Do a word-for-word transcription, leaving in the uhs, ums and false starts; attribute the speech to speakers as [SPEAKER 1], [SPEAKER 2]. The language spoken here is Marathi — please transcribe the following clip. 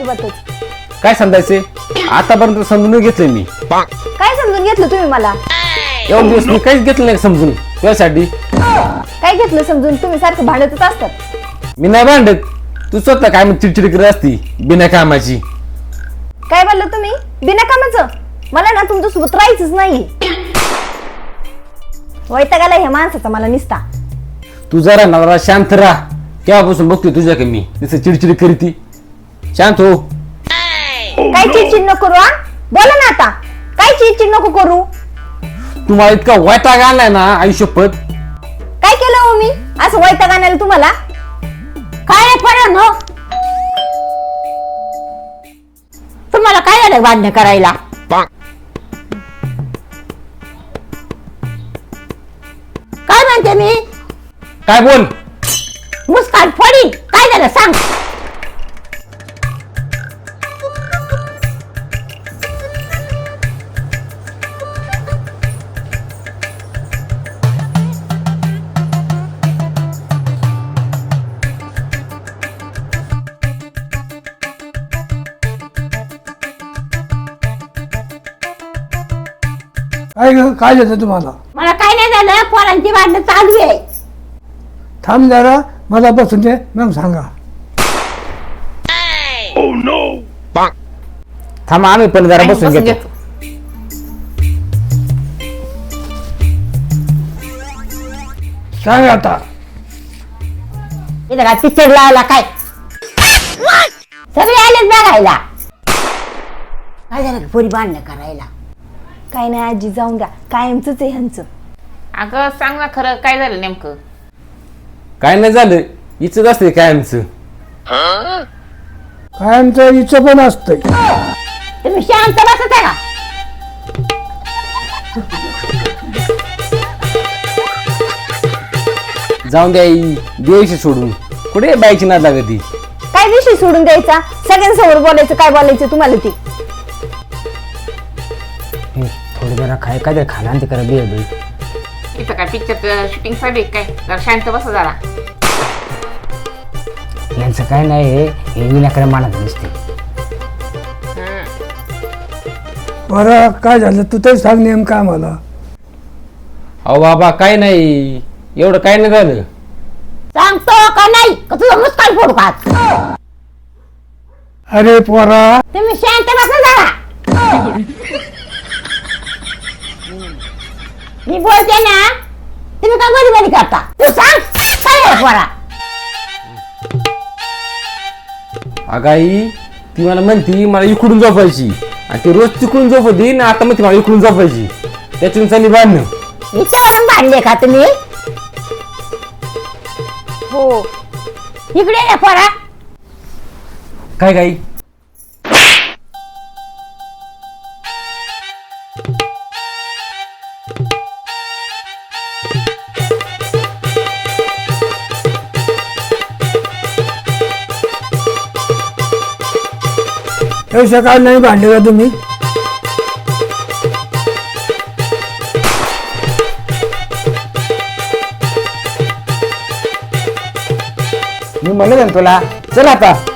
[SPEAKER 1] अजिबातच.
[SPEAKER 2] काय समजायचे आतापर्यंत समजून घेतलंय मी.
[SPEAKER 1] काय समजून घेतलं तुम्ही मला?
[SPEAKER 2] एवढे दिवस मी काहीच घेतलं नाही समजून तुझ्यासाठी.
[SPEAKER 1] काय घेतलं समजून? तुम्ही सारखं भांडतच असतात.
[SPEAKER 2] मी नाही भांडत, तू स्वतः काय मग चिडचिड करत असती बिना कामाची.
[SPEAKER 1] काय बोललं तुम्ही? बिना कामाचं? मला ना तुमच्या सोबत राहायचंच नाही. वैताग आलाय ह्या माणसाचा मला निसता.
[SPEAKER 2] तू जरा नवरा शांत राहा. केव्हापासून बघतोय तुझ्या कमी जसं चिडचिड करीती. शांत हो.
[SPEAKER 1] काय चिडचिड नको करू. हा बोला ना आता. काय चिडचिड नको करू.
[SPEAKER 2] तुम्हाला इतका वैताग आलाय ना आयुष्यपत.
[SPEAKER 1] काय केलं हो मी असं वैताग आणायला तुम्हाला? काय पडा no? तुम्हाला काय झालं भांडण करायला? काय म्हणते मी?
[SPEAKER 2] काय बोल.
[SPEAKER 1] मुस्कान फोडी. काय झालं सांग.
[SPEAKER 3] काय ग काय झालं तुम्हाला?
[SPEAKER 1] मला काय नाही झालं. पोरांची भांडणं चालू आहे.
[SPEAKER 3] थांब जरा मला बसून दे मग सांगा.
[SPEAKER 2] थांबा आम्ही पण जरा बसून घेतो.
[SPEAKER 3] सांग आता.
[SPEAKER 1] इथं काय पिक्चर लावला काय? सगळे आलेच बघायला. काय झालं पोरी भांडणं करायला? काय नाही आजी जाऊन द्या. कायमच आहे ह्यांचं.
[SPEAKER 4] अगं सांग ना खरं काय झालं नेमकं?
[SPEAKER 2] काय नाही झालं, हिच असते कायमचं.
[SPEAKER 3] कायमचं हिचं पण असतंय.
[SPEAKER 1] तुम्ही शांत बसत आहे का?
[SPEAKER 2] जाऊन द्या आई, द्यायची सोडून. कुठे बाईची नाद लागती.
[SPEAKER 1] काय विषय सोडून द्यायचा? सगळ्यांसमोर बोलायचं. काय बोलायचं तुम्हाला ते?
[SPEAKER 5] थोडी जरा काय काय तरी खाना ते करा बिया बाई.
[SPEAKER 4] इथं काय पिक्चर शूटिंग चालू काय? जरा शांत बस जरा.
[SPEAKER 5] यांचं काय नाही हे विनाकडे मानत नसते.
[SPEAKER 3] बरं काय झालं तू तरी सांग नेमकं आम्हाला.
[SPEAKER 2] अहो बाबा काय नाही, एवढं काय नाही झालं.
[SPEAKER 1] सांगतो का नाही का तुझं मुस्कान फोडू का?
[SPEAKER 3] अरे पोरा
[SPEAKER 1] तुम्ही शांत बसा जरा. मी बोलते ना, तुम्ही काय मध्ये मध्ये करता? तू सांग काय आहे पोरा?
[SPEAKER 2] अगाई ती मला म्हणती मला इकडून झोपायची आणि ती रोज तिकडून झोपती ना. आता मग ती मला इकडून झोपायची. त्यातून चालली बांधणं.
[SPEAKER 1] इथं भांडले का तुम्ही? हो इकडे ये पोरा.
[SPEAKER 2] काय काही
[SPEAKER 3] हे सकाळ नाही भांडले का तुम्ही?
[SPEAKER 2] मी म्हणलं ना तुला, चल आता.